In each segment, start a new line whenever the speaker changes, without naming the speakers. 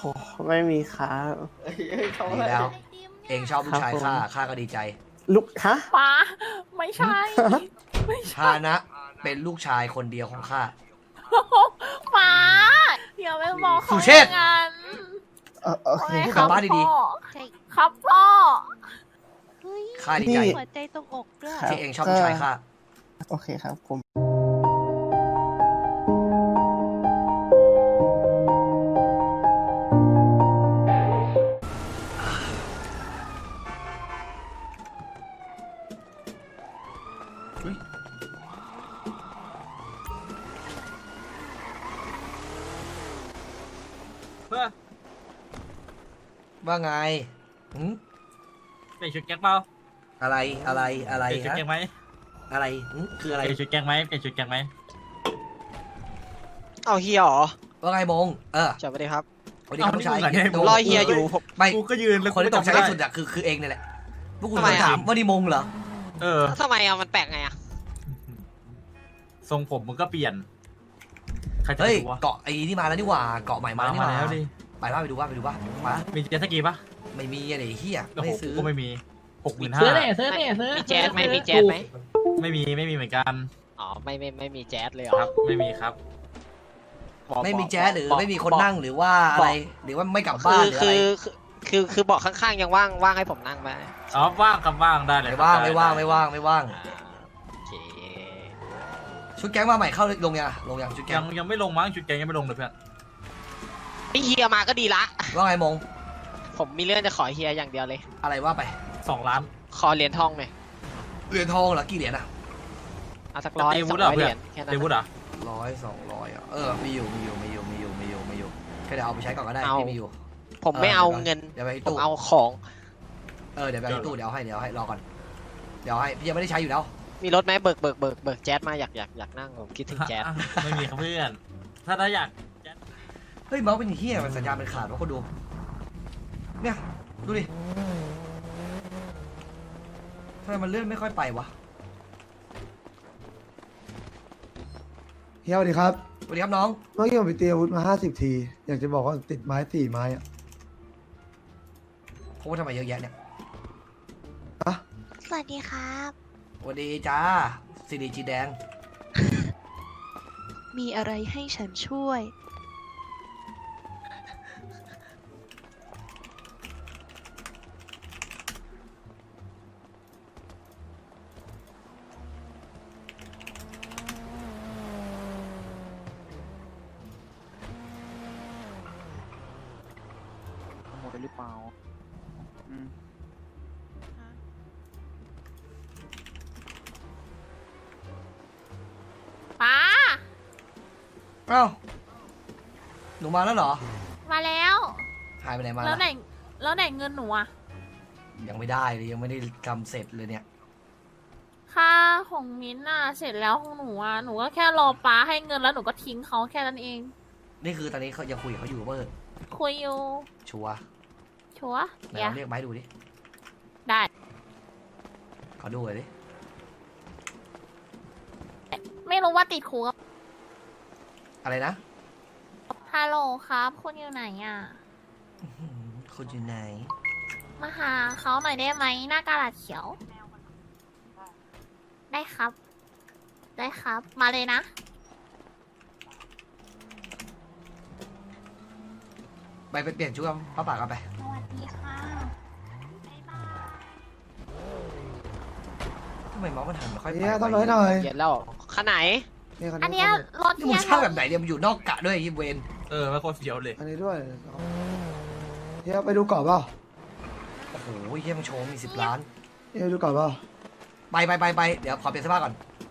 หไม่มีครับ
ดีแล้ว เองชอบลูกชายข้าก็ดีใจ
ลูกฮะ
ป้าไม่ใช่ ไม่ใช่
ชานะเป็นลูกชายคนเดียวของข้า
ป้าอย่าไปบอกเขา
สุเชษฐ์
อย่างนั้น
โอเค
โอ้ย
พูด
ค
กลั
รั
บบ บ้านดี
พ่อ
ใช่
ครับพ่อ
เฮ้ย
ข้าดีใจ
หัวใจตรงอกด้วย
ที่เองชอบลูกชายข้า
โอเคครับผม
ว่าไงหืม
เปลี่ยนชุดแก๊งเปล่า
อะไรอะไร
เปลี่ยนชุด
ฮะ
แก๊งไหม
อะไรหืมคืออะไร
เปลี่ยนชุดแก๊งไหมเปลี่ยนชุดแก๊งไหม
เอาเฮียเหรอ
ว่าไงมงส
สวัสดีครับ
วัสดีครับลูกชาย
ผมรอเฮียอยู่ผม
ไม่
กูก็ยืนแล้ว
คนที่ตกใจ
ไม่
ที่สุดอะคือเองเนี่ยแหละพวกคุณ
ทำไมอะ
ถามว่านี่มงเหรอ
เออ
ทำไมอะมันแปลกไงอะ
ทรงผมมึงก็เปลี่ยนใครจะ
เฮ้ย
รู้วะ
เกาะไอ้นี่มาแล้วนี่หว่าเกาะใหม่มาแล้วนี่ห
มา
ว่า
แล้วดิ
ไปดูว่ามา
มีเจ็ตสกีปะ
ไม่มีอะไรเฮีย
โอ้โห
ไม่ซื้อ
กูก็ไม่มี65,000
ซื้อเลยซื้อเลยซื้อ
มีแจ๊สไหมมีแจ๊สไหม
ไม่มีเหมือนกัน
อ๋อไม่มีแจ๊สเลยเหรอ
ครับไม่มีครับ
บอก
ไม่มีแจ๊สหรือ
บอก
ไม่มีคน
บอก
นั่งหรือว่าอะไรหรือว่าไม่กลับบ้านหรือ
คื
อะไร
คือเบอกข้างๆยังว่างให้ผมนั่งไหม
อ๋อว่างครับว่างได้เลย
ไม่
ครับ
ว่าง
ด้
ไม่ว่าง
ด้
ไม่ว่างไม่ว่าง
โอเค
ชุดแก๊งมาใหม่เข้าลงยังชุดแก๊
ยังไม่ลงมั้งชุดแก๊งยังไม่ลงเลยเพื่อน
พี่เฮียมาก็ดีละ
ว่าไงมง
ผมมีเรื่องจะขอเฮียอย่างเดียวเลย
อะไรว่าไป
2 ล้าน
ขอเหรียญทองหน่อย
เหรียญทองเหรอกี่เหรียญอะ
เอาสัก100
ตีวุฒิ
200
เหรอ
เห
เพื่
รี
อย น
ญแค่นั้
เด
น
วุฒิเหรอ
100 200อะมีอยู่แค่เดี๋ยวเอาไปใช้ก่อนก็ได้ที่มีอยู่
ผมไม่เอาเงิน
เดี๋ยวไปที่
ผม
ตู้
เอาของ
เดี๋ยวไปที่ตู้เดี๋ยวให้รอก่อนเดี๋ยวให้พี่ยังไม่ได้ใช้อยู่แล้ว
มีรถไหมเบิกแจ๊สมาอยากนั่งผมคิดถึงแจ๊ส
ไม่มีครับเพื่อนถ้าอยาก
เฮ้ยเมาส์เป็นเฮียมันสัญญาณมันขาดวะคนดูเนี่ยดูดิทำไมมันเลื่อนไม่ค่อยไปวะ
เฮียสวัสดีครับ
สวัสดีครับน้อง
เมื่อกี้ผมไปตีอาวุธมา50 ที อยากจะบอกว่าติดไม้4 ไม้อะ
โพสทำไมเยอะแยะเนี่ย
อะ
สวัสดีครับ
สวัสดีจ้าซีดีจีแดง
มีอะไรให้ฉันช่วย
หมดหรือเปล่า
ป้า
อ้าวหนูมาแล้วเหรอ
มาแล้ว
หายไปไหนมา
แล้วไหน
ล่ะ
แล้วไหนเงินหนูอะ
ยังไม่ได้เลยยังไม่ได้ทำเสร็จเลยเนี่ย
ค่าของมิ้นท์อะเสร็จแล้วของหนูอะหนูก็แค่รอป้าให้เงินแล้วหนูก็ทิ้งเขาแค่นั้นเอง
นี่คือตอนนี้เขายังคุยกับเขาอยู่เปอร์
คุยอยู่
ชัวร์
ชัวร์
ไหน
อย่า
ลองเรียกไม้ดูดิ
ได้
ขอดูเลยดิ
ไม่รู้ว่าติดคุก
อะไรนะ
ฮัลโหลครับคุณอยู่ไหนอะ
คุณอยู่ไหน
มาหาเขาหน่อยได้ไหมหน้ากระดาษเขียว ได้ครับ ได้ครับ มาเลยนะ
ไปเปลี่ยนชุดกับป้าป่ากันไป
สวัสดีค่ะ
ทำไมเมาส์มันหันไม่ค่อยไป
เฮียทำอะไรหน่อย
เย็นแล้วคันไหน
นี่คัน
อัน
นี้
เนี้ยรถ
นี่
เที
มึ
ย
ง
น
เช่าแบบไหนเนี่ยมันอยู่นอกกะด้วยยิบเวน
ไม่โคตรเฟี้ยวเลย
อันนี้ด้วยเฮียไปดูเกาะเปล่า
โอ้โหเฮียมึงโชว์มี10 ล้าน
เฮียไปดูเกาะเปล่า
ไปเดี๋ยวขอเปลี่ยนเสื้อผ้าก่อน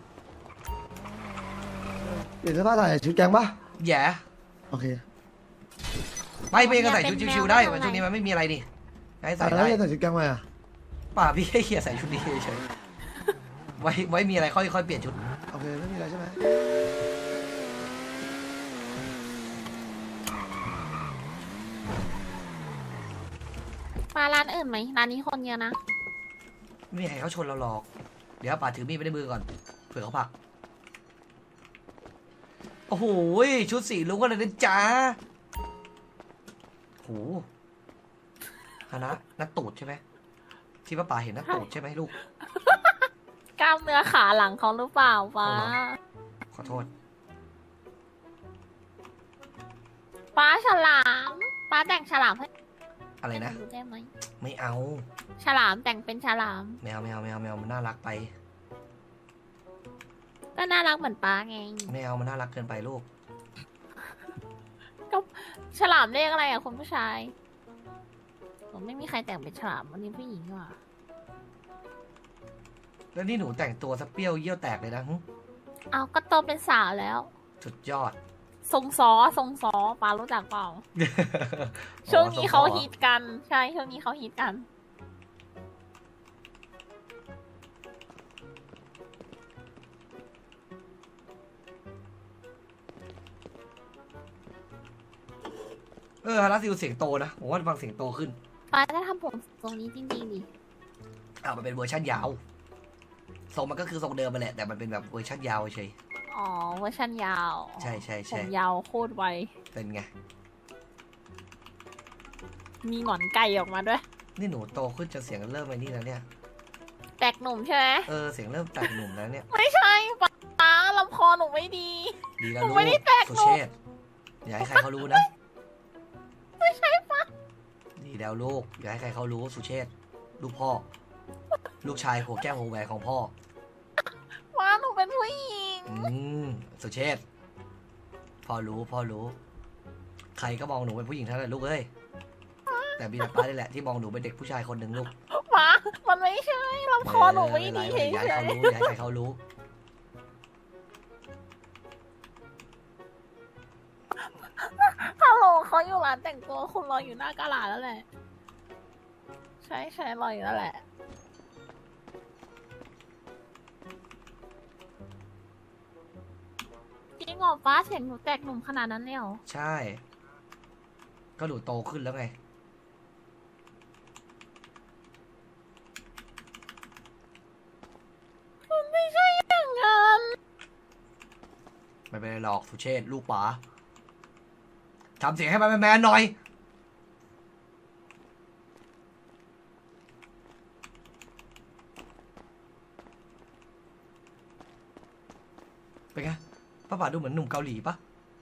เปลี่ยนเสื้อผ้าใส่ชุดแก๊งปะ
แย่
โอเค
ไปกันใส่ชุดชิวๆได้วันช่วงนี้มันไม่มีอะไรนี่ให้ใส่
แล้
ได้
วเฮียใส่ชุดแก๊งมาอ่ะ
ป่าพี่ให้เฮียใส่ชุดนี้เฉยๆไว้มีอะไรค่อยเปลี่ยนชุด
โอเคไม่มีอะไรใช่ไหม
มาร้านอื่นไหมร้านนี้คนเยอะนะ
ไม่มีใครเขาชนเราหรอก เดี๋ยวป่าถือมีดไปในมือก่อนเผื่อเขาผลักโอ้โหชุดสีลุงกันเลยนะจ๊ะโหฮานะนัดตูดใช่ไหมที่ป้าป๋าเห็นนัดตูดใช่ไหมลูก
กล้ามเนื้อขาหลังเขาหรือเปล่าป้า
เอาเหรอ ขอโทษ
ป้าฉลามป้าแต่งฉลามให้
อะไรนะ
หดูได้ไหม
ไม่เอา
ฉลามแต่งเป็นฉลาม
แมวมันน่ารักไป
ก็น่ารักเหมือนป้าไง
ไม่เอามันน่ารักเกินไปลูก
ก็ฉลามเรียกอะไรอ่ะคุณผู้ชายผมไม่มีใครแต่งเป็นฉลามวันนี้ผู้หญิงว่ะ
แล้วนี่หนูแต่งตัวสเปรี้ยวเยี่ยวแตกเลยนะหึ
เอาก็โตเป็นสาวแล้ว
สุดยอด
ทรงซอป้ารู้จักเปล่า ช่วงนี้เขาฮิตกัน ใช่ ช่วงนี้เขาฮิตกัน
ฮาราซิลเสียงโตนะผมว่าฟังเสียงโตขึ้น
ป้าจะทำผมทรงนี้จริงๆดิ
มันเป็นเวอร์ชันยาวทรงมันก็คือทรงเดิมไปแหละแต่มันเป็นแบบเวอร์ชันยาวเฉย
อ๋อเวอร์ชันยาว
ใช่
ผมยาวโคตรไว
เป็นไง
มีหงอนไก่ออกมาด้วย
นี่หนูโตขึ้นจนเสียงเริ่มไปนี่แล้วเนี่ย
แตกหนุ่มใช่ไหม
เสียงเริ่มแตกหนุ่มแล้วเนี่ย
ไม่ใช่ป้าลำคอหนูไม่ดี
ดีแล้ว
หนู
ลูก
ไม่ได้แตกหนุ่ม
สุเชษฐ์อย่าให้ใครเขารู้นะ
ไม่ใช่ป้า
ดีแล้วลูกอย่าให้ใครเขารู้สุเชษฐ์ลูกพ่อ ลูกชายหัวแก้วหัวแหวนของพ่อ
ป้าหนูเป็นผู้หญิง
สุเชษฐ์พ่อรู้ ใครก็มองหนูเป็นผู้หญิงทั้งนั้นลูกเอ้ยแต่บีป้านี่แหละที่มองหนูเป็นเด็กผู้ชายคนหนึ่งลูก
ป้ามันไม่ใช่ลำคอหนูไม่ดีเฉย
อย่าให้เขารู้อย่าให้ใครเขารู้
ๆฮัลโหลเขาอยู่ร้านแต่งตัวคุณรออยู่หน้ากาลาดแล้วแหละ ใช่รออยู่แล้วแหละ จริงเหรอป้าเสียงหนูแตกหนุ่มขนาดนั้นเลยเหรอ
ใช่ ก็หนูโตขึ้นแล้วไง
มันไม่ใช่อย่างนั้น
ไม่เป็นไรหรอกสุเชษฐ์ลูกป๋าทำเสียงให้มันแมนๆหน่อย เป็นไงป้าป๋าดูเหมือนหนุ่มเกาหลีปะ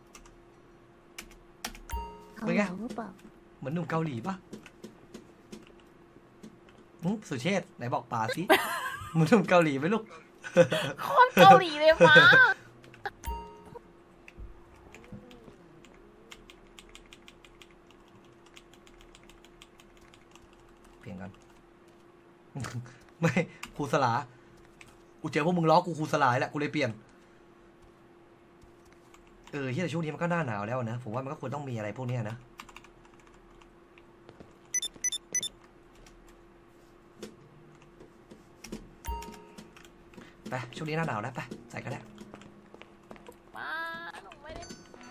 เป็นไง
หรือเปล่า
เหมือนหนุ่มเกาหลีปะสุเชษฐ์ไหนบอกป๋าสิ เหมือนหนุ่มเกาหลีไหมลูก
โคตรเกาหลีเลยป้า
เปลี่ยนกัน ไม่ครูสลากูเจอพวกมึงล้อกูครูสลาแหละกูเลยเปลี่ยนที่แต่ช่วงนี้มันก็หน้าหนาวแล้วนะผมว่ามันก็ควรต้องมีอะไรพวกเนี้ยนะไปช่วงนี้หน้าหนาวแล้วไปใส่กันแล้ว
ป้าหนูไม่ได้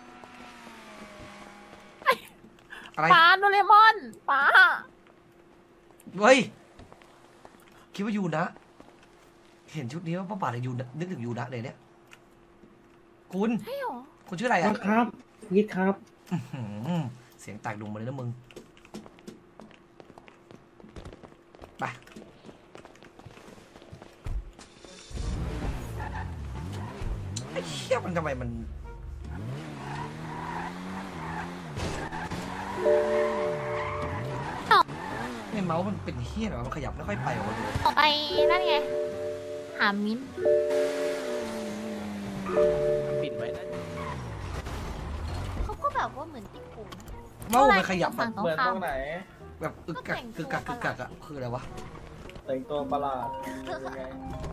อะไร
ป้าโดเรมอนป้า
เฮ้ยคิดว่ายูนะ เห็นชุดนี้ว่าป้าป่าเลยยูนะนึกถึงยูนะเลยเนี่ยคุณ
ใช่หรอ
คุณชื่ออะไรอ่ะ
ครับยิดครับ
เสียงแตกดุมมาเลยนะมึงไปไอ้เหี้ยมันทำไมมันไอ้เมาส์มันเป็นเหี้ยเหรอมันขยับไม่ค่อยไปหรอเลย
ต่อไปนั่นไง หามิ้น
ปิดไว้นะ
เขาก็แบบว่าเหมือนติดกู
เมาส์มันขยับแบบ
เหมือนตรงไหน
แบบอึกกักกึกกักกึกกักอะคืออะไรวะ
แต่งตัวประหลาดยังไง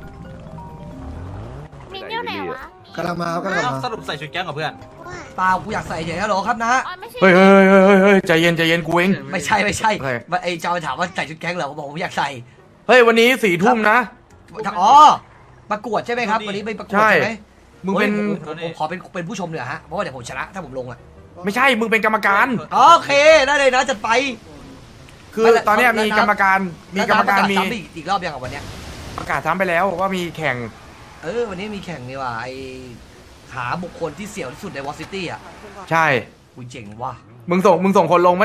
มิ้นอยู่ไหนวะ
กำลังมาครับกำลังมา
สรุปใส่ชุดแก๊งกับเพื่อน
ว่า
เปล่ากูอยากใส่เฉยๆฮัลโหลครับนะ
อ๋อไม่ใช่
เฮ้ยใจเย็นกูเอง
ไม่ใช่
โอเค
ไอ้เจ้าถามว่าใส่ชุดแก๊งเหรอผมบอกผมอยากใส่
เฮ้ยวันนี้4 ทุ่มนะ
อ๋อประกวดใช่ไหมครับวันนี้ไปประกวด
ใช่
ใช่ไหม
มึงเป็น
ผมขอเป็นผู้ชมเหนือฮะเพราะว่าเดี๋ยวผมชนะถ้าผมลงอ่ะ
ไม่ใช่มึงเป็นกรรมการ
โอเคได้เลยนะจัดไป
คือตอนเนี้ยมีกรรมการมี
ซ้ำอีกรอบยังกับวันเนี้ย
ประกาศซ้ำไปแล้วว่ามีแข่ง
วันนี้มีแข่งนี่ว่ะไอหาบุคคลที่เสี่ยวที่สุดในวอซิตี้อ่ะ
ใช่
กูเจ๋งว่ะ
มึงส่งคนลงปะเนี่ย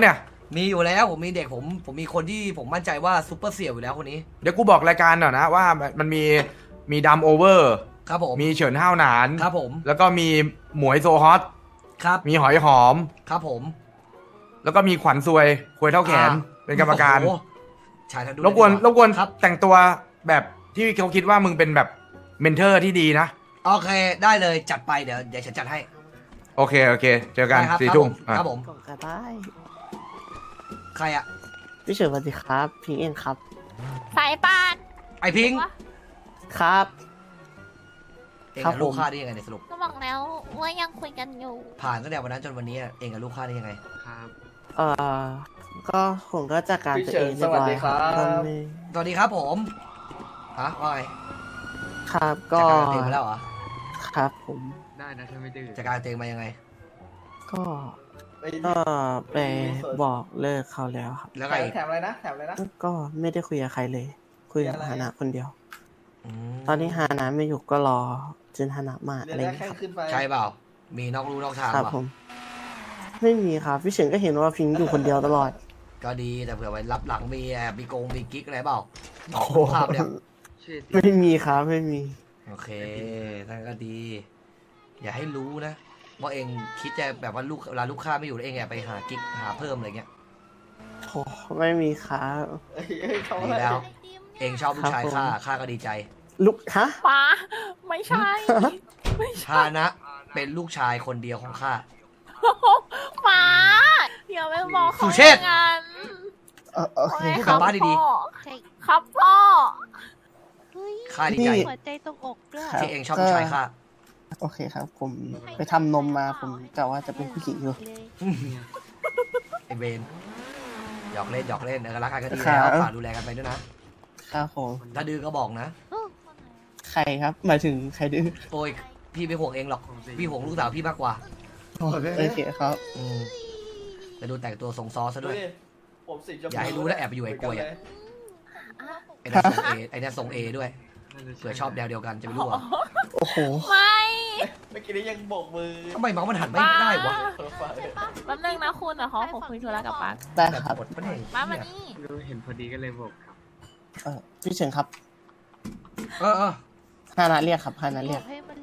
มีอยู่แล้วผมมีเด็กผมมีคนที่ผมมั่นใจว่าซุปเปอร์เสี่ยวอยู่แล้วคนนี้
เดี๋ยวกูบอกรายการหน่อยนะว่ามันมีดัมโอเวอร์
ครับผม
มีเฉินห้าวหนาน
ครับผม
แล้วก็มีหมวยโซฮอต
ครับ
มีหอยหอม
ครับผม
แล้วก็มีขวัญซวยควยเท่าแขน เป็นกรรมการ
โอ้โหชายทันดู
รบกวน
ครับ
แต่งตัวแบบที่เขาคิดว่ามึงเป็นแบบเมนเทอร์ที่ดีนะ
โอเคได้เลยจัดไปเดี๋ยวฉันจัดให้
โอเค เจอกัน
ได้ครับ
4 ทุ่ม
ครับผม
ส่งก็ได้
ใครอะ
พี่เฉินสวัสดีครับพิงเองครับ
สายปาน
ไอพิงค์
ครับ
เอง
ครับ
กับลูก
ผม
ข้าได้ยังไงในยสรุป
ก็บอกแล้วว่ายังคุยกันอยู่
ผ่านตั้งแต่วันนั้นจนวันนี้เองกับลูกข้าได้ยังไง
ครับ
เอ่อก็ผมก็จัดการตัวเองเรียบร้อยครับก็ไม่
สวัสดีครับผมฮะว่าไง
ครับ
จั
ก็
ดการเตงมาแล้วเหรอ
ครับผม
ได้นะถ้าไม่ดื้อ
จัดการเตงมายังไง
ก็ไปบอกเลิกเขาแล้วครับ
แล้วไงอีก
แถมอะไรนะแถมอะไรนะ
ก็ไม่ได้คุยกับใครเลย คุยกับฮานะคนเดียว
ม
ตอนนี้ฮานะไม่อยู่ก็รอจนฮานะมา
เดี๋
อะ
ยว
ไร
ได้
อย่าง
แค่
เงี้ยครับ
ขึ้นไป
ใช่เปล่า มีนอกลู่นอกทาง
ครับ
เปล่า
ผม ไม่มีครับพี่เฉินก็เห็นว่าพิงอยู่คนเดียวตลอด
ก็ดีแต่เผื่อไว้รับหลังมีแอบมีมีกิ๊กอะไรเปล่า
โอ้โห
ภาพเนี่ย
ชื่อ
ไม่มีครับไม่มี
โอเคนั่นก็ดี อย่าให้รู้นะว่าเองคิดจะแบบว่าลูกเวลาลูกค้าไม่อยู่แล้วเองแอบไปหากิ๊กหาเพิ่มอะไรเงี้ย
โอ้ไม่มีครับ
เอ้ยเขา
ดี
อะไร
แล้ว เองชอบลูกชาย
ครับผม
ข้าก็ดีใจ
ลุกฮะ
ป้าไม่ใช่ ไม่ใช่
ชานะเป็นลูกชายคนเดียวของข้า
ป้าอย่าไปบอกเขา
สุเชษฐ์
อย่างนั้น
โอเค
พูด
ค
กั
รั
บบ บ้านดี
พ่อ
ใช่
ครับพ่อ
เฮ้ย
ข้าดีใจ
นี่
หัวใจตรงอกด้วย
ครับ
ที่เองชอบลูกชายข้า
โอเคครับ ผมไปทำนมมาผมกะว่าจะเป็นผู้หญิงอยู่
เลย
ไอเบนหยอกเล่นรักกันก็ดี
ครั
แล้ว
บ
ฝากดูแลกันไปด้วยนะครับ
ผม
ถ้าดื้อก็บอกนะ
โอ้
ใครครับ หมายถึงใครดื้อ
โอ้ยพี่ไม่ห่วงเองหรอก พี่ห่วงลูกสาวพี่มากกว่า
โอเค
โอเคครับ
อืมแต่ดูแต่งตัวทรงซอซะ
ดู
ด้วย
ดิผมสีชมพู
อย่าให้รู้นะแอบไปอยู่ไอ้กล้วยอะ ไอ้นั่นทรงเอไอ้นั่นทรงเอด้วยเผื่อชอบแนวเดียวกันจะไม่รู้เหรอ
โอ้โห
ไม่
เมื่อกี้นี้ยังโบกมือ
ทำไมเมาส์มันหันไม่ได้วะ
เพ้อฝัน
แป๊บนึงนะคุณเดี๋ยวเขาขอคุยธุระกับป้า
ได้
แบบ
ครับ
กดมันเอง
ป้ามานี่
รู้เห็นพอดีก็เลยบอกครับ
พี่เฉินครับ
เออ
ฮานาเรียกครับฮานา
บ
เรี
อย
ก
กให้มัน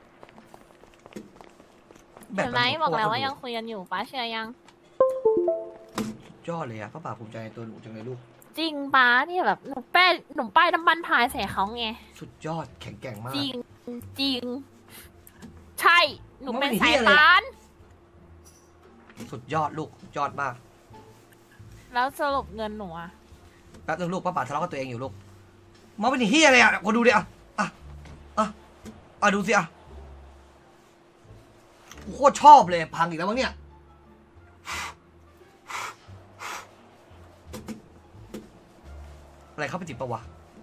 แบ
เห็
บ
นไหมบอกแล้วว่ายังคุยกันอยู่ป้าเชื่อยัง
ยอดเลยอะป้าป่าภูมิใจในตัวหนูจังเลยลูก
จริงป้าเนี่ยแบบหนูป้ายน้ำมันพายใส่เขาไง
สุดยอดแข็งแกร่งมาก
จริงจริง ใช่ หนูเป็น
มันไม่
สาย
เหี้ยเลย
ปาน
สุดยอดลูกยอดมาก
แล้วสรุปเงินหนูอะ
แป๊บนึงลูกป้าป่าทะเลาะกับตัวเองอยู่ลูกเมาส์เป็นเฮียอะไรอะคนดูดิอะดูสิอะโคตรชอบเลยพังอีกแล้วมั้งเนี่ยอะไรเข้าไปจิบปะวะ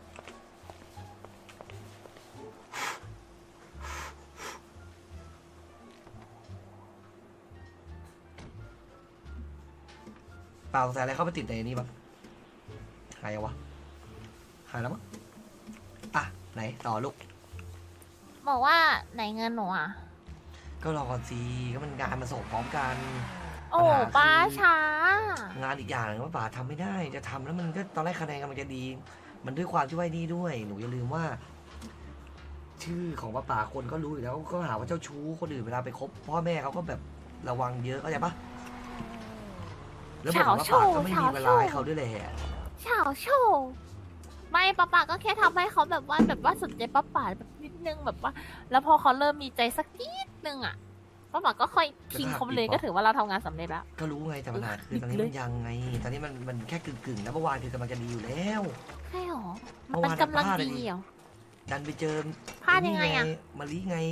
เปล่าสงสัยอะไรเข้าไปติดในนี้บ้างหายยังวะหายแล้วมั้งอ่ะไหนต่อลูก
บอกว่าไหนเงินหนูอะ
ก็รอก่อนสิก็มันงานมาส่งพร้อมกัน
โอ้
ปัญหาคือ
ป้าช้า
งานอีกอย่างหนึงว่าป่าทำไม่ได้จะทำแล้วมันก็ตอนแรกคะแนนกำลังจะดี มันด้วยความที่ว่านี่ด้วยหนูอย่าลืมว่า ชื่อของป้าคนก็รู้อยู่แล้วก็หาว่าเจ้าชู้คนอื่นเวลาไปคบพ่อแม่เขาก็แบบระวังเยอะเข้าใจปะแล้วบอกว่าป้าก็ไม่มีเวลาให้เขาด้วยแหละ
เฉาโชว์ไม่ป้าก็แค่ทำให้เขาแบบว่าสนใจป้าแบบนิดนึงแบบว่า แล้วพอเขาเริ่มมีใจสักนิดนึงอะป้าก็ค่อยทิ้งเขาไปเลยก็ถือว่าเราทำงานสำเร็จแล้ว
ก็รู้ไงแต่ปัญหาคือตอนนี้มันยังไง ตอนนี้มันแค่กึ่งแล้วเมื่อวานคือกำลังจะดีอยู่แล้ว
ใช่หรอ
เมื่
มัน
อวาน
กำลัง
พลาดเลย
ดี
ดิ
เหรอ
ดันไปเจอ
พลาดยังไงอะ
มาลีไง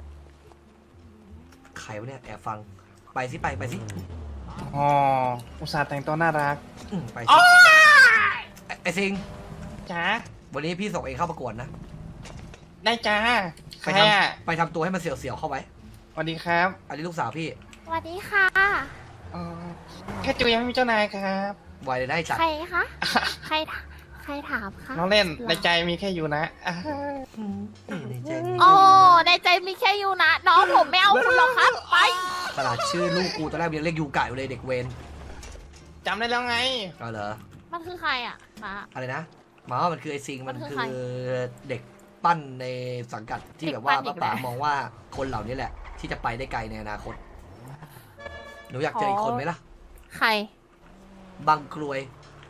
ใครวะเนี่ยแอบฟังไปสิไปสิ
อ๋อ อุตส่าห์แต่งตัวน่ารัก
ไปสิไอ้ซิง
จ้า
วันนี้พี่ส่งเองเข้าประกวดนะ
ได้จ้า ใค
ไป
ร
ท
อ่ะ
ำไปทำตัวให้มันเสียวๆเข้าไว้
สวัสดีครับ
อันนี้ลูกสาวพี่
สวัสดีค่ะ
อ๋อแค่จูยังไม่มีเจ้านายครับ
ไวเลยได้จัด
ใครคะใครถามคะ
น้องเล่น ในใจมีแค่อยู่นะอ่า
ในใจ
โอ้ในใจมีแค่ยูนะน้องผมไม่เอาคุณหรอกครับ ไป
ขนาดชื่อลูกกูตอนแรกยังเรียกยูกะอยู่เลยเด็กเวน
จำได้แล้วไง
ก็เหรอ
มันคือใครอ่ะมา
อะไรนะหมายว่ามันคือไอซิงมัน
มันคื
คือ
ใคร
เด็กปั้นในสังกัดที่
เด็ก
แบบว่า
ปั้นอีก
ป้า
แล้ว
มองว่าคนเหล่านี้แหละ ที่จะไปได้ไกลในอนาคตหนูอยากเจออีกคนไหมล่ะ
ใคร
บางกรวย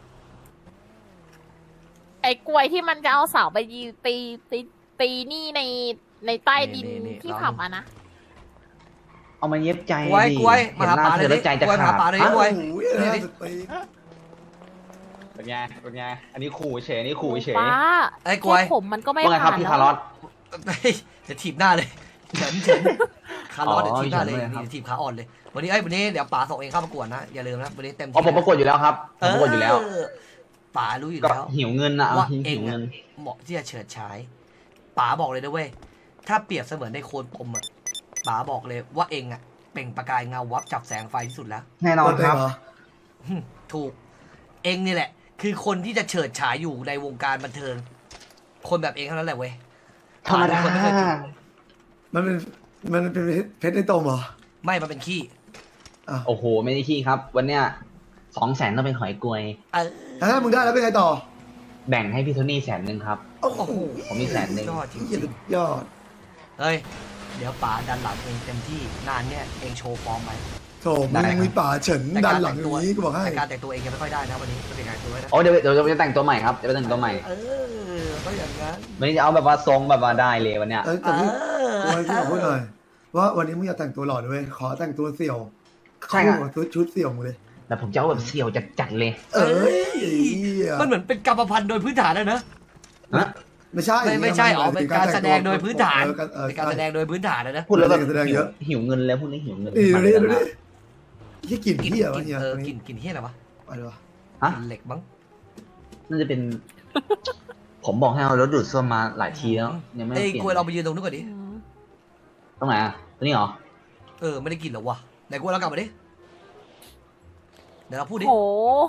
ไอ้กล้วยที่มันจะเอาเสาไปยีตีนี่ในใต้ดิน
นี่
ที่
ลอง
ผับอ่ะนะ
เอามาเย็บใจ
กล้วย
ดิ
กล้วย
เห็
มาน หา
หน้า
ป๋า
เธ
เลย
อแล้วใจจะ
กล้วยมา
ขา
หา
ด
ป๋าเลย
ฮะ
กล้วย
โอ้ย
นี่
50 ปี
เป็นไงเป็นไงอันนี้ขู่เฉยอันนี้ขู่เฉย
ป้า
ไอ้กล้วย
แค่ผมมันก็ไม่
ว่าไงครับ
ผ่าน
พี่
แล้ว
คาร์ลอส
เฮ้ยจะถีบหน้าเลยเฉินคาร์ลอส
อ๋อ
เดี๋ยวถีบหน้าเลย
เฉินเลยครับ
นี่ถีบขาอ่อนเลยวันนี้เดี๋ยวป๋าส่งเองเข้าประกวดนะอย่าลืมนะวันนี้เต็มที่
อ๋อผมประกวดอยู่แล้วครับผมประกวดอยู่แล้ว
ป๋ารู้อยู่
ก็
แล้ว
หิวเงินนะเอา
ว่า
หิ
เอง
วเงิ
อะ
น
เหมาะที่จะเฉิดฉายป๋าบอกเลยนะเว้ยถ้าเปรียบเสมือนในโคนปมอะป๋าบอกเลยว่าเองอะเปล่งประกายเงาวับจับแสงไฟที่สุดแล้ว
แน่นอนครับ
เหรอ
ถูกเองนี่แหละ คือคนที่จะเฉิดฉายอยู่ในวงการบันเทิง คนแบบเองเท่านั้นแหละเว้ย
ธรรมดา
คนไม่เคยเจอ
มันเป็นเพชรในตมเหรอ
ไม่มันเป็นขี้
โอ้โห ไม่ได้ขี้ครับ วันเนี้ย200,000ต้องเป็นหอยกลวย
เออ
ถ้ามึงได้แล้วเป็นไงต่อ
แบ่งให้พี่โทนี่100,000ครับ
โอ้โห
ผมมี100,000
ยอดจริ
สุ
ง
ดยอด
ๆเฮ้ยเดี๋ยวป๋าดันหลังเองเต็มที่งานเนี้ยเองโชว์ฟอร์มไป
โถมึงมีป่าเฉินดันหลังอย่างนี้กูบอกให้
แต่การแต่งตัวเองยังไม่ค่อยได้นะวันนี้ก็เป็นการตัวไว้นะ
โอ้เดี๋ยวจะแต่งตัวใหม่ครับจะไปแต่งตัวใหม่
เออก็อย่างนั้น
วันนี้จะเอาแบบว่าทรงแบบว่าได้เลยวันเนี้ย
แต่พี่พี่ขอพูดหน่อย ว่าวันนี้มึงอย่าแต่งตัวหล่อด้วยขอแต่งตัวเสี่ยว
ใช่ครับ
คู่กับชุดเสี่ยวมึงเลย
แต่ผมจะเอาแบบเสี่ยวจัดๆเลย
เอ้ย
มันเหมือนเป็นกรรมพันธุ์โดยพื้นฐานแล้วนะ
ฮะ
ไม่ใช่
ไม่ใช่อ๋อเป็นการแสดงโดยพื้นฐาน
เออ
เป็นการแสดงโดยพื้นฐานนะ
พูดแล้วแบบ
แสดงเยอะ
หิวเงินแล้วพูดแล้วหิวเงิน
นี่ดูดิดู
มา
ดิที่กลิ่นเหี้ยวะเฮีย
กลิ่นเฮียอะไรวะ
อะไรวะ
ฮะ
กลิ่นเหล็กมั้ง
น่าจะเป็น ผมบอกให้เอารถดูดซ่วมมาหลายทีแล้วยังไม่ได้
เอ้ย
เปลี่ยน
กล้วยเราไปยืนตรงนู้นก่อนดิ
อืม
ตรงไหนอ่ะตรงนี้เหรอ
ไม่ได้กลิ่นหรอวะไหนกล้วยเรากลับมาดิเดี๋ยวเราพูดดิ
โห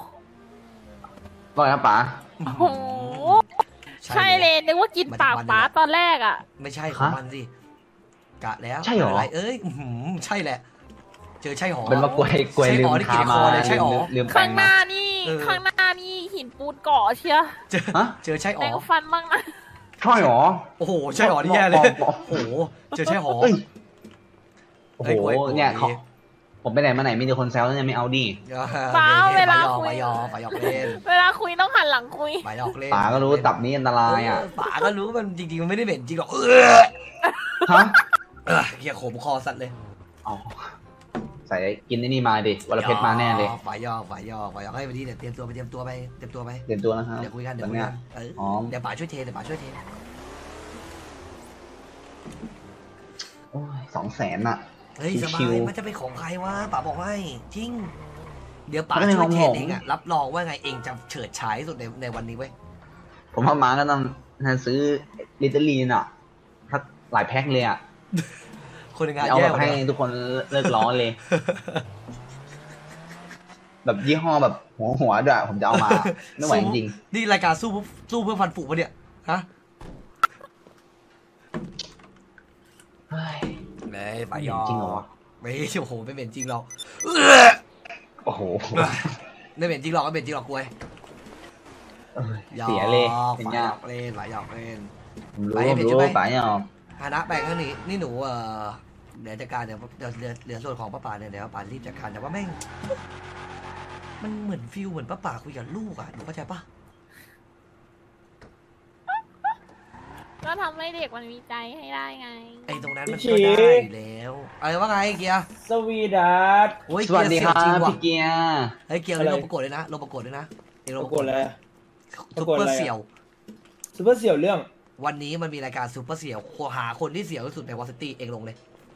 ว่าไงครับป๋า
โห ใช่เลยนึกว่ากินปากป้าตอนแรกอ่ะ
ไม่ใช่ของมันสิกะแล้ว
ใช่เหรอ
ะไรเอ้ยใช่แหละ เจอใช่หอ
เป็นว่ากล้วยลืม
ใช่หอนี่
ทา
กินใน
มา
คอเลยใช่หอ
ลืมแปร
ข้าง
ง
ห
มา
น้านี่
เออ
ข้างหน้านี่หินปูนเกาะเชีย
เจอ
ฮะ
เจอใช่ห
แปร
อง
ฟันบ้างนะ
ใช่เหรอ
โอ้โหใช่หอนี่แย่เลย
บอก
โอ้โหเจอใช่หอ
เอ้ยโอ้โห
เอ้ยกล้วย
เนี่ย
กล้วย
ผมไปไหนมาไหนมีแต่คนแซวเนี่ยไม่เอาดิ
ป๋าเวลาคุย
ไปหยอกไปหยอกเล่น
เวลาคุยต้องหันหลังคุย
ไปหยอกเล่น
ป๋าก็รู้ตับนี้อันตรายอ่ะ
ป๋าก็รู้มันจริงๆมันไม่ได้เหม็นจริงหรอก
ฮะ
เหี้ยขมคอสัตว์เลย
อ๋อใส่กินไอ้นี่มาดิวรเพชรมาแน่เลย
ฝ่ายยอกให้วันนี้เดี๋ยวเตรียมตัวไปเตรียมตัวไป
เตรียมตัวนะครับ
เดี๋ยวคุยกันเดี๋ยว
วัน
คุย
เนี้
กั
ย
น
อ๋อ
เดี๋ยวป๋าช่วยเท
โอ้ย200,000อ่ะ
เฮ้ยสบา
ชิวย ๆ
มันจะเป็นของใครวะป๋าบอกให้จริง เดี๋ยวป๋า
มันเป็น
ช่วยเท
ของผม
เองอะรับรองว่าไงเองจะเฉิดฉายที่สุดในวันนี้เว้ย
ผมว่ามาก็ต้องซื้อลิตเตอรีนอ่ะทักหลายแพ็คเลยอ่ะ
คนในงาน
เอา
แย่
แบบ
กว่า
ให้
เดิม
ทุกคนเลิกร้อนเลย แบบยี่ห้อแบบหัวด้วยผมจะเอามา ไม่ไหวจริง
นี่รายการสู้เพื่อฟันฝูปะเนี่ยฮะ
ๆเฮ้ย
เลยป๋ายอ
จริงเหรอวะ
ไม่โอ้โหไม่เป็นจริงหรอก
โอ้โห
ไม่เป็นจริงหรอกไม่เป็นจริงหรอกกล้วย
เออเสียเลย
ป๋า
เป็น
หย
ไง
อกเล่นป๋าหยอกเล่น
ผมรู้
ไป
ผม
เป็น
รู้
ใช่ไหม
ป๋าเนี่ย
ฮานะแบ่งข้างนี้นี่หนูเดี๋ยวจัดการเดี๋ยวเหลือส่วนของป้าป่าเนี่ยเดี๋ยวป้าป่ารีบจัดการแต่ว่าแม่งมันเหมือนฟิลเหมือนป้าป่าคุยกับลูกอ่ะหนูเข้าใจปะ
ก็ทำให้เด็กมันมีใจให้ได้ไง
ไอ้ตรงนั้นมันก็ได้อยู่แล้วอะไรว่าไงเกียร์
สวีดัส
โอ้ย
สวัสดี
เกี
ค
ยร์
รั
เสี่ยวจริ
บ
งว่ะ
พี่เกียร์
เฮ้ยเกียร์
อะไร
ลงประกวดเลยนะลงประกวดด้วยนะเองลง
ป
ประ ระ
ก
ก
ว
ว
ด
ด
อะไร
ซุปเปอร์เสี่ยว
ซูเปอร์เสี่ยวเรื่อง
วันนี้มันมีรายการซุปเปอร์เสี่ยวหาคนที่เสี่ยวที่สุดในวอซิตี้เองลงเลย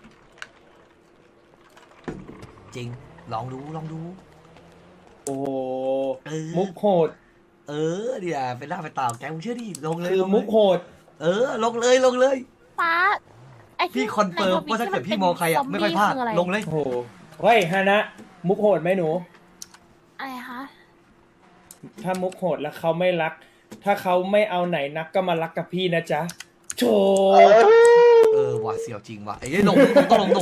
จริงลองดู
โอ้โห
เออ
มุกโหด
เดี๋ยวเป็นหน้าเป็นตาของแกมึงเชื่อดิลงเลย
คือ
ลงเลย
มุกโหด
ลงเลย
ป้าไอ้ที่
พี่คอนเฟิร์มว่าถ้าเกิดพี่มองใครอ่ะไม่ค่อยพลาดลงเลย
โอ้โหเฮ้ยฮานะ มุกโหดไหมหนู
อะไรคะ
ถ้ามุกโหดแล้วเขาไม่รัก ถ้าเขาไม่เอาไหนนักก็มารักกับพี่นะจ๊ะโถ
ว่ะเสี่ยวจริงว่ะไอ้ลงต้องลง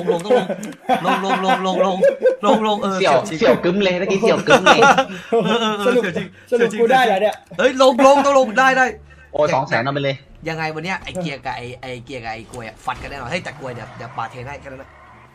เออ
เสี่ยว
จริง
เสี่ยวกึ้มเลยตะกี้เสี่ยวกึ้มเลย
สรุปจริง
สรุปกูได้แล้วเนี่ย
เฮ้ยลงต้องลงได้
โอ้ย200,000เอาไปเลย
ยังไงวันเนี้ยไอ้เกียร์กับไอ้เกียร์กับไอ้กล้วยฟัดกันแน่นอนเฮ้ยแต่กล้วยเดี๋ยวปาเทนให้แค่นั้นนะ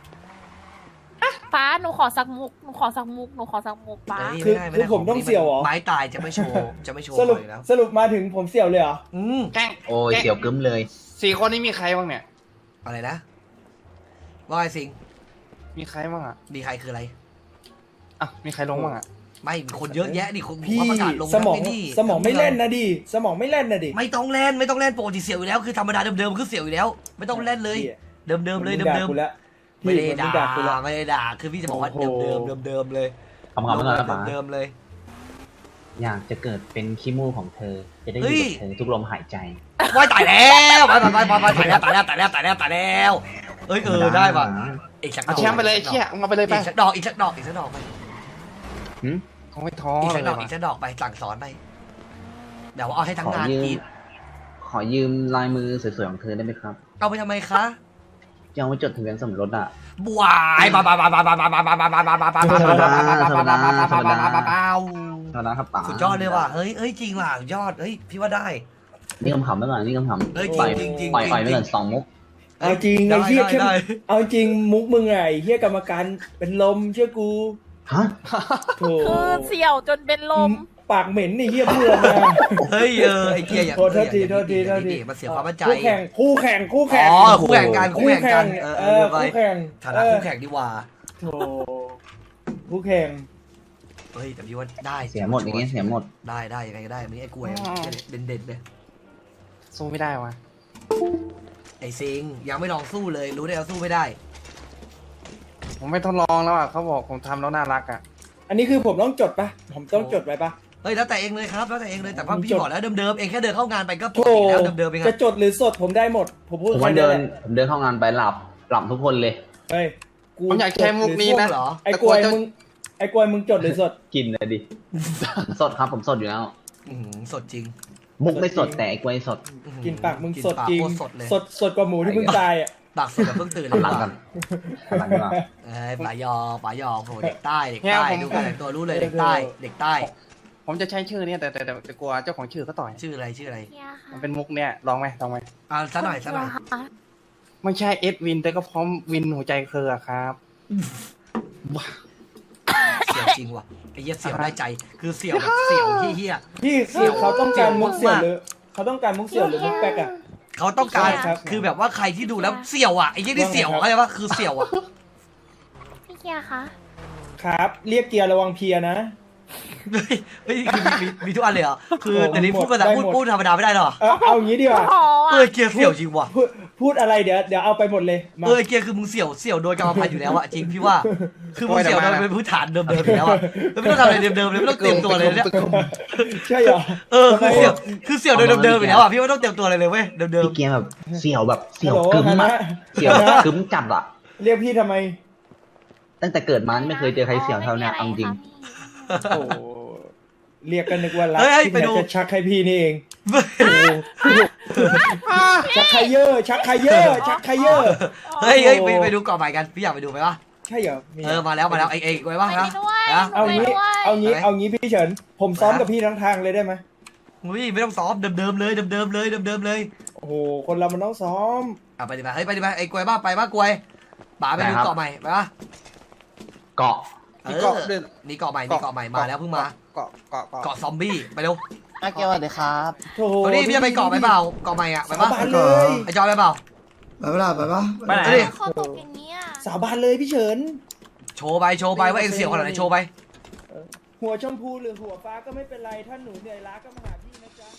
ป้าหนูขอสักมุกป้า
คือผมต้องเสี่ยวหรอไม้ตายจะไม่โชว์
สรุป
เลยนะ
สรุปมาถึงผมเสี่ยวเลยเหรอ
แกล้ง
โอ้ยเสี่ยวกึ้มเลย
4 คนนี้มีใครบ้างเนี่ย
อะไรนะว่าไอ้สิง
มีใครบ้างอ่ะ
มีใครคืออะไร
อ่ะมีใครลงบ้างอ่ะ
ไม่มีคนเยอะแยะดิคน
พี่
ประกาศลง
สมอง
ไนี่
สมองไม่เล่นนะดิสมองไม่เล่นนะดิ
ไม่ต้องเล่นปกติเสี่ยวอยู่แล้วคือธรรมดาเดิมๆคือเสี่ยวอยู่แล้ว ไม่ต้องเล่นเลยเดิมเลย
มึงด่ากูแล้ว
ไม่ได้
มึง
ด่า
กูแล้ว
ไม่ได้ด่าคือพี่จะบอกว่า
โอ้โห
เดิมเลย
คำๆไม่ก่อนนะป๋า
เดิมเลย
อยากจะเกิดเป็นขี้มูกของเธอ จะได้อ
เฮ้
ยู่
ย
กับเธอทุกลมหายใจ
ว้ายตายแล้วไปตายแล้วเอ้ยได้ป่ะอีกสักด
เอา
อก
แชมป์ไปเลยไอ้เชี่ยเอาไปเลยไป
อีกสักดอกไป
เขาไม่ท้อ
อีก
เล
สัก
ย
ดอก
ว่ะ
อีกสักดอกไปสั่งสอนไปเดี๋ยวเอาให้ทั้งงาน
ขอยืม
กิน
ขอยืมลายมือสวยๆของเธอได้ไหมครับ
เอาไปทำไมคะ
จะเอาไว้จดทะเบียนสมรสอ่ะ
บวายบา
เท่านั้นครับป๋า
สุดยอดเลยว่ะเฮ้ยจริงว่ะสุดยอดเฮ้ยพี่ว่าได้
นี่คำๆไว้ก่อนนี่คำๆ
เฮ้ย
ปล่อย
จริง
ปล่อยไว้ก่อน2 มุก
เอาจริงไอ้เฮียเข้มเอาจริงมุกมึงไงเฮียกรรมการเป็นลมเชื่อกู
ฮะ
โถ
คือเสี่ยวจนเป็นลม
ปากเหม็นนี่เฮียพูดออกมา
เฮ้ยไอ้เกียร์อย่าง
โทษที
มันเสียความมั่นใจ
คู่แข่ง
อ๋อคู่แข่งกัน
คู่แข่ง
ฐานะคู่แข่งดีกว่า
โถคู่แข่ง
เฮ้ยแต่พี่ว่าได้
เสียหมดอย่างงี้เสียหมด
ได้ยังไงก็ได้ไม่ไอ้กล้วยเด่นเลย
สู้ไม่ได้ว่ะ
ไอ้ซิงยังไม่ลองสู้เลยรู้ได้แล้วสู้ไม่ได้
ผมไม่ทดลองแล้วอ่ะเขาบอกผมทำแล้วน่ารักอ่ะ
อันนี้คือผมต้องจดปะผมต้องจดไว้ปะ
เฮ้ยแล้วแต่เองเลยครับแล้วแต่เองเลยแต่ว่าพี่บอกแล้วเดิมๆเองแค่เดินเข้างานไปก็ป
โถ
กติแล้วเดิมๆเอง
จะจดหรือสดผมได้หมด ผมพูด
ผมว่า
แค่
เดิน
แหละ
ผมเดินเข้างานไปหลับทุกคนเลย
เฮ้ย
ผมอยากใช้มุกนี้นะ
เหรอ
ไอ้กวยมึงจดหรือสด
กินเลยดิ ผมสดครับผมสดอยู่แล้ว
สดจริง
มุกไม่สดแต่ไอ้กล้วยสด
กินปากมึง
กิน
สด
ปาก
จริง
โคตสดเลย
สดกว่าหมูที่เพิ่งตายอ่ะ
ปากสดแบบเพิ่งตื่นเลย
หลังกันหลังกัน
ป๋ายอโหเด็กใต้ดูการแต่งตัวรู้เลยเด็กใต้
ผมจะใช้ชื่อเนี่ยแต่กลัวเจ้าของชื่อเขาต่อย
ชื่ออะไร
มันเป็นมุกเนี่ยลองไหม
สักหน่อย
ไม่ใช่เอสวินแต่ก็พร้อมวินหัวใจเธออะครับ
เสี่ยวจริงว่ะไอ้เหี้ยเสี่ยวได้ใจคือเสี่ยวแบบเสี่ยวเหี้ย
พี่เขาต้องการมุกเสี่ยวหรือเขาต้องการมุกเสี่ยวหรือมุกแป๊กอ่ะ
เขาต้องการ
ครับ
คือแบบว่าใครที่ดูแล้วเสี่ยวอ่ะไอ้ยี่นี่เสี่ยวอะไรวะคือเสี่ยวอ่ะ
พี่เกียร์คะ
ครับ เรียกเกียร์ระวังเพียนะ
เฮ้ยคือมีทุกอันเลยเหรอคือ
โอ้
แต่นี้พูดภาษา
ได้หมด
พูดธรรมดาไม่ได้หรอ
เอาอย่างนี้ดีกว่า
ขออ่ะ
เกียร์เสี่ยวจริงว่ะ
พูดอะไรเดี๋ยวเอาไปหมดเลยมา
เกียร์คือมึงเสี่ยวโดยกรรมพันธุ์อยู่แล้วอะจริงพี่ว่าคือมึงเสี่ยวโดยเป็นพื้นฐานเดิมๆอยู่แล้วอะไม่ต้องทำอะไรเดิมๆเลยไม่ต้องเตรียมตัวเลยเนี่ย
ใช่เหรอ
คือเสี่ยวโดยเดิมๆอยู่แล้วอะพี่ว่าต้องเตรียมตัวอะไรเลยเว้ยเดิม
พี่เกียร์แบบเสี่ยวแบบเสี่ยว
ฮัลโหล
กึ้ม
คณะ
อะเสี่ยวแบบกึ้มจัดอะ
เรียกพี่ทำไม
ตั้งแต่เกิดมาไม่เคยเจอใครเสี่ยวเท่าเนี้ยเอาจริง
โอ้เรียกกันนึกว่ารัก
เฮ้ย
ที่
ไป
ไหน
ดู
จะชักให้พี่นี่เอง
ๆ
ชักไคเยอร์ชักไคเยอร์ชักไคเยอร์
เฮ้ยไปดูก่อนใหม่กันพี่อยากไปดูไหมวะ
ใช่เหรอมี
มาแล้วไอ้ไว้บ้าง
ไป
นะ
ด้วย
นะ
เอางี้
ไปด้วย
เอางี้พี่เฉิน ผมซ้อมกับพี่ทั้งทางเลยได้ไหม
อุ้ยไม่ต้องซ้อมเดิมๆเลยเลย
โอ้โหคนเรามันต้องซ้อม
ไปดิไปดิไอ้กวยบ้าไปบ้ากวยป๋าไปดูเกาะใหม่ไปปะ
เกาะ
นี่เกาะใหม่มาแล้วเพิ่งมาเกาะซอมบี้ไปเร็ว
อาเกียวสวัสดีครับ
โถ่
ตอนนี้พี่จะไปเกาะไปเปล่าเกาะใหม่อะไป
สา
ปะ
บานเลย
ไอจอยไปเปล่า
ไปปะล่ะไปปะ
ไปไหน
เขาตกอย่างนี้อ่ะ
สาบานเลยพี่เฉิน
โชว์ไปว่าเองเสี่ยวขนาดไหนโชว์ไป
หัวชมพูหรือหัวฟ้าก็ไม่เป็นไรถ้าหนูเหนื่อยล้าก็มาหาพี่นะจ๊ะ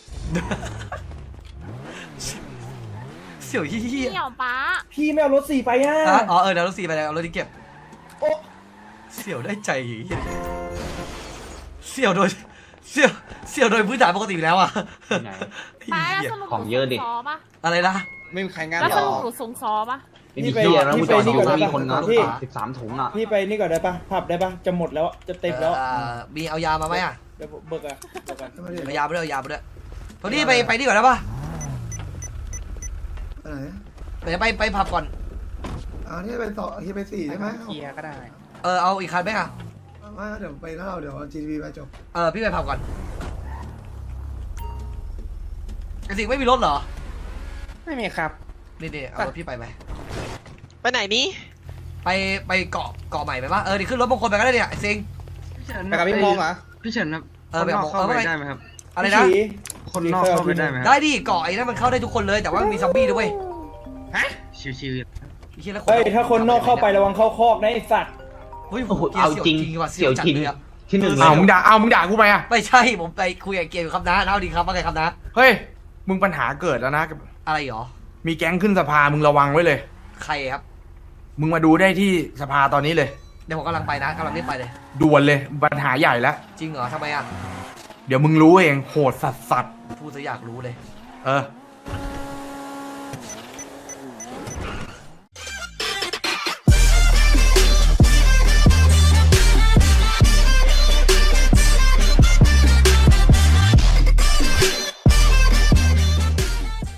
เสี่ยวเฮี้ย
เสี่ยวป้า
พี่ไม่เอารถ4ไปอ่ะ
เดี๋ยวรถ4ไปเลยเอารถที่เก็บ
โอ้
เสี่ยวได้ใจเฮี้ยเสี่ยวโดยพื้นฐานปกติอยู่แล้วอะ
ไหน
ป้าแล้วสรุป
ของเยอะดิ
หนูสูงซอปะ
อะไรนะ
ไม่มีใครงาน
แล้ว
หร
ส
อ
รุปหนูสูงซอปะ
ไม่มีเกียร์นะกูจอดดูมีคนงาน
พี่
13 ถุงอะ
พี่ไปนี่ก่อนได้ปะผับได้ปะจะหมดแล้วจะเต็มแล้ว
มีเอายามาไหมอะ
เดี๋ยวเบิกอะเบิกอะ
เอายาไปด้วยโทนี่ไปนี่ก่อนได้ปะ
ไปไหน
เดี๋ยวไปผับก่อน
นี่เป็น2ที่เป็น4ใช่ไหม
เคลียร์ก็ได้
เอาอีกคันไหมอ่ะ
ว่าเดี๋ยวไปแล้วเราเดี๋ยว GTV ไปจบ
พี่ไปผับก่อนไอ้สิงไม่มีรถเหรอ
ไม่มีครับ
นี่เอารถพี่ไปไหม
ไปไหนนี้
ไปเกาะใหม่ไหมวะนี่ขึ้นรถบางคนไปก็ได้เนี่ยไอ้สิง
ไปกับพี่พงษ์เหรอ
พี่เฉินครับ
ไปกับผมได้ไหมครับอะไร
พี่
นะ
ฉี
คนนอกเข้าไปได้ไหม
ได้ดิเกาะไอ้นั่นมันเข้าได้ทุกคนเลยแต่ว่ามันมีซอมบี้ด้วย
ชิว
ไอ้เหี้ยแล้ว
เฮ้ยถ้าคนนอกเข้าไประวังเข้าคอกนะไอ้สัตว์
เฮ้ย
โอ้โห
เกีย
เอา
ร์
จริง
ว่ะ
เสี่ยว
จัด
จริง
เลยอะ
ที่หนึ่งเลย
เอามึงด่ากูไหมอ่ะ
ไม่ใช่ผมไปคุยกับเกียร์อยู่ครับนะเอาดีครับว่าไงครับนะ
เฮ้ยมึงปัญหาเกิดแล้วนะ
อะไรหรอ
มีแก๊งขึ้นสภามึงระวังไว้เลย
ใครครับ
มึงมาดูได้ที่สภาตอนนี้เลย
เดี๋ยวผมกำลังไปนะกำลังรีบไปเลย
ด่วนเลยปัญหาใหญ่แล้ว
จริงเหรอทำไมอ่ะ
เดี๋ยวมึงรู้เองโหดสัส
พูดซะอยากรู้เลย
ๆ